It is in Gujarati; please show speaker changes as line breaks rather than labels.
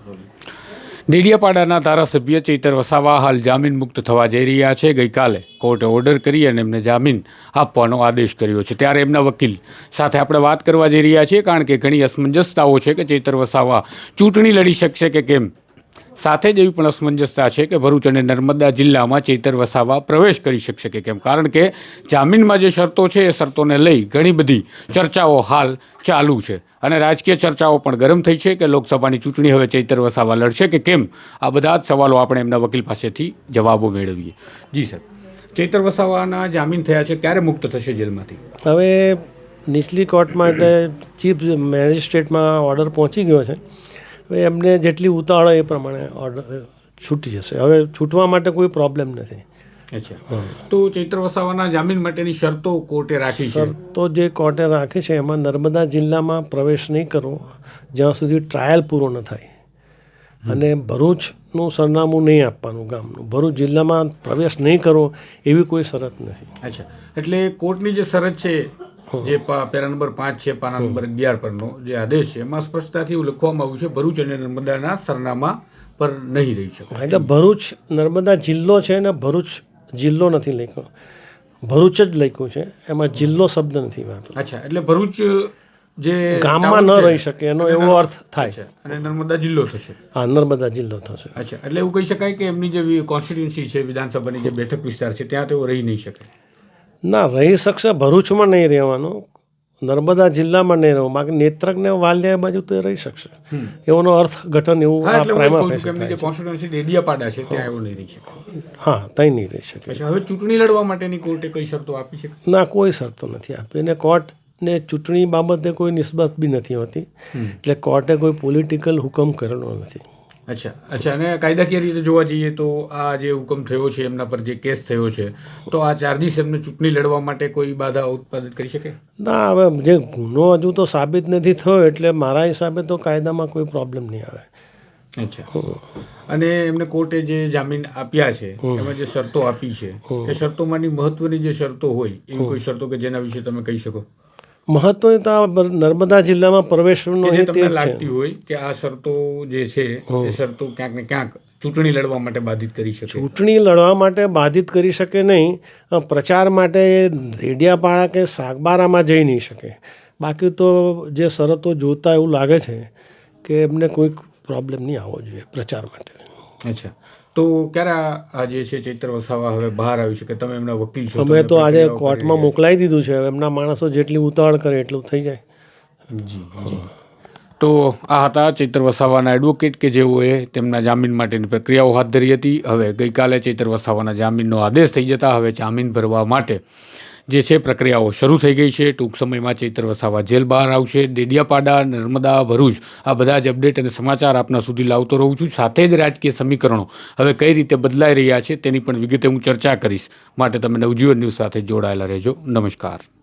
ડેડિયાપાડાના ધારાસભ્ય ચૈતર વસાવા હાલ જામીન મુક્ત થવા જઈ રહ્યા છે. ગઈકાલે કોર્ટે ઓર્ડર કરી અને એમને જામીન આપવાનો આદેશ કર્યો છે. ત્યારે એમના વકીલ સાથે આપણે વાત કરવા જઈ રહ્યા છીએ, કારણ કે ઘણી અસમંજસતાઓ છે કે ચૈતર વસાવા ચૂંટણી લડી શકશે કે કેમ. સાથે જ એવી પણ અસમંજસતા છે કે ભરૂચ અને નર્મદા જિલ્લામાં ચૈતર વસાવા પ્રવેશ કરી શકશે કે કેમ, કારણ કે જામીનમાં જે શરતો છે એ શરતોને લઈ ઘણી બધી ચર્ચાઓ હાલ ચાલુ છે અને રાજકીય ચર્ચાઓ પણ ગરમ થઈ છે કે લોકસભાની ચૂંટણી હવે ચૈતર વસાવા લડશે કે કેમ. આ બધા જ સવાલો આપણે એમના વકીલ પાસેથી જવાબો મેળવીએ. જી સર, ચૈતર વસાવાના જામીન થયા છે, ક્યારે મુક્ત થશે જેલમાંથી?
હવે નીચલી કોર્ટ માટે ચીફ મેજિસ્ટ્રેટમાં ઓર્ડર પહોંચી ગયો છે. હવે એમને જેટલી ઉતાવળ એ પ્રમાણે ઓર્ડર છૂટી જશે. હવે છૂટવા માટે કોઈ પ્રોબ્લેમ નથી.
અચ્છા, તો ચૈતર વસાવાના જામીન માટેની શરતો કોર્ટે રાખી છે.
શરતો જે કોર્ટે રાખી છે એમાં નર્મદા જિલ્લામાં પ્રવેશ નહીં કરવો જ્યાં સુધી ટ્રાયલ પૂરો ન થાય, અને ભરૂચનું સરનામું નહીં આપવાનું ગામનું. ભરૂચ જિલ્લામાં પ્રવેશ નહીં કરવો એવી કોઈ શરત નથી.
અચ્છા, એટલે કોર્ટની જે શરત છે, જે પેરા નંબર 5 છે, પાના નંબર 11 પરનો જે આદેશ છે, એમાં સ્પષ્ટતાથી એવું લખવામાં આવ્યું છે ભરૂચ અને નર્મદાના સરનામા પર નહીં રહી શકે.
એટલે ભરૂચ નર્મદા જિલ્લો છે ને ભરૂચ જિલ્લો નથી લખ્યો, ભરૂચ જ લખ્યું છે, એમાં જિલ્લો શબ્દ નથી વાપર્યો.
અચ્છા, એટલે ભરૂચ જે
ગામમાં ન રહી શકે એનો એવો અર્થ થાય છે,
અને નર્મદા જિલ્લો થશે.
હા, નર્મદા જિલ્લો થશે.
અચ્છા, એટલે એવું કહી શકાય કે એમની જે કોન્સ્ટિટ્યુન્સી છે, વિધાનસભાની જે બેઠક વિસ્તાર છે, ત્યાં તેઓ રહી નહીં શકે?
ના, રહી શકશે. ભરૂચમાં નહીં રહેવાનું, નર્મદા જિલ્લામાં નહીં રહેવું, બાકી નેત્રક ને વાલિયા બાજુ તો રહી શકશે. એવાનો અર્થઘટન એવું
કોન્સ્ટિટ્યુન્સી ડેડિયાપાડા છે ત્યાં એવું નહીં રહી શકે.
હા, ત્યાં નહીં રહી શકે.
હવે ચૂંટણી લડવા માટેની કોર્ટે કઈ શરતો આપી છે?
ના, કોઈ શરતો નથી આપી. અને કોર્ટને ચૂંટણી બાબતે કોઈ નિસ્બત બી નથી હોતી, એટલે કોર્ટે કોઈ પોલિટિકલ હુકમ કરેલો નથી.
અચ્છા, અને કાયદાકીય રીતે જોવા જઈએ તો આ જે હુકમ થયો છે, એમના પર જે કેસ થયો છે, તો આ ચાર્જીસ એમને ચૂંટણી લડવા માટે કોઈ બાધા ઉત્પાદિત કરી શકે?
ના, હવે જે ગુનો હજુ તો સાબિત નથી થયો, એટલે મારા હિસાબે તો કાયદામાં કોઈ પ્રોબ્લેમ નહીં આવે.
અચ્છા, અને એમને કોર્ટે જે જામીન આપ્યા છે એમાં જે શરતો આપી છે એ શરતોમાંની મહત્વની જે શરતો હોય એવી કોઈ શરતો કે જેના વિશે તમે કહી શકો?
મહત્વ તો આ નર્મદા જિલ્લામાં પ્રવેશનો
જે તમને લાગતી હોય કે આ શરતો જે છે એ શરતો ક્યાંક ને ક્યાંક ચૂંટણી લડવા માટે બાધિત કરી શકે?
ચૂંટણી લડવા માટે બાધિત કરી શકે નહીં, પ્રચાર માટે રેડિયાપાડા કે સાગબારામાં જઈ નહીં શકે. બાકી તો જે શરતો જોતા એવું લાગે છે કે એમને કોઈ પ્રોબ્લેમ નહીં આવવો જોઈએ પ્રચાર માટે.
અચ્છા, તો ક્યારે આ જે છે ચૈતર વસાવા હવે બહાર આવી શકે? તમે એમના વકીલ છો.
અમે તો આજે કોર્ટમાં મોકલાવી દીધું છે. હવે એમના માણસો જેટલી ઉતાવળ કરે એટલું થઈ જાય.
જી. તો આ હતા ચૈતર વસાવાના એડવોકેટ કે જેઓએ તેમના જામીન માટેની પ્રક્રિયાઓ હાથ ધરી હતી. હવે ગઈકાલે ચૈતર વસાવાના જામીનનો આદેશ થઈ જતા હવે જામીન ભરવા માટે જે છે પ્રક્રિયાઓ શરૂ થઈ ગઈ છે. ટૂંક સમયમાં ચૈતર વસાવા જેલ બહાર આવશે. ડેડિયાપાડા, નર્મદા, ભરૂચ આ બધા જ અપડેટ અને સમાચાર આપના સુધી લાવતો રહું છું. સાથે જ રાજકીય સમીકરણો હવે કઈ રીતે બદલાઈ રહ્યા છે તેની પણ વિગતે હું ચર્ચા કરીશ. માટે તમે નવજીવન ન્યૂઝ સાથે જોડાયેલા રહેજો. નમસ્કાર.